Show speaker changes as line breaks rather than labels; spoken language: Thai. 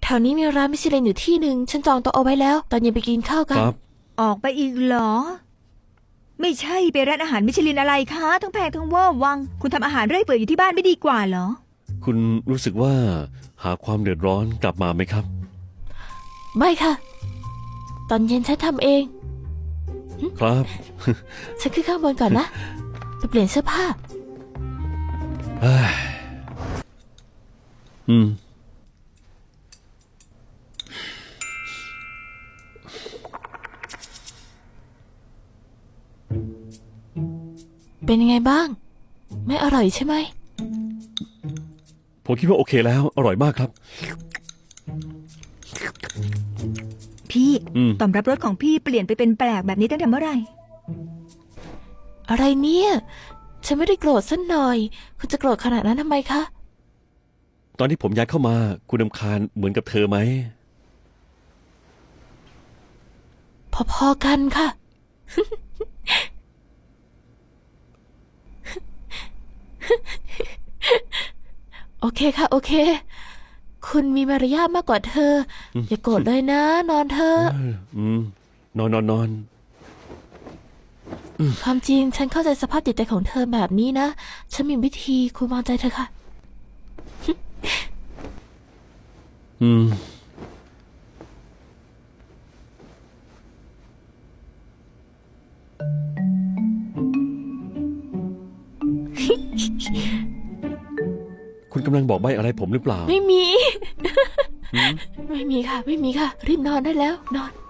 แถวนี้มีร้านมิชลินอยู่ที่หนึ่งฉันจองโต๊ะเอาไว้แล้วตอนเย็นไปกินข้าวกัน
ครับ
ออกไปอีกเหรอไม่ใช่ไปร้านอาหารมิชลินอะไรคะทั้งแพงทั้งเวอร์วังคุณทำอาหารเรื่อยเปื่อยอยู่ที่บ้านไม่ดีกว่าเหรอ
คุณรู้สึกว่าหาความเดือดร้อนกลับมาไหมครับ
ไม่ค่ะตอนเย็นฉันทำเอง
ครับ
ฉันขึ้นข้างบนก่อนนะไปเปลี่ยนเสื้อผ้า
อืม
เป็นยังไงบ้างไม่อร่อยใช่ไหม
ผมคิดว่าโอเคแล้วอร่อยมากครับ
พี่ตอบรับรสของพี่เปลี่ยนไปเป็นแปลกแบบนี้ตั้งแต่เมื่อไหร่
อะไรเนี่ยฉันไม่ได้โกรธสักหน่อยคุณจะโกรธขนาดนั้นทำไมคะ
ตอนที่ผมย้ายเข้ามาคุณรำคาญเหมือนกับเธอไหม
พอๆกันค่ะ โอเคค่ะโอเคคุณมีมารยาทมากกว่าเธออย่าโกรธเลยนะนอนเถอะ
นอน
ความจริงฉันเข้าใจสภาพจิตใจของเธอแบบนี้นะฉันมีวิธีคุณวางใจเธอค่ะ
คุณกำลังบอกใบ้อะไรผมหรือเปล่า
ไม่มี ไม่มีค่ะไม่มีค่ะรีบนอนได้แล้วนอน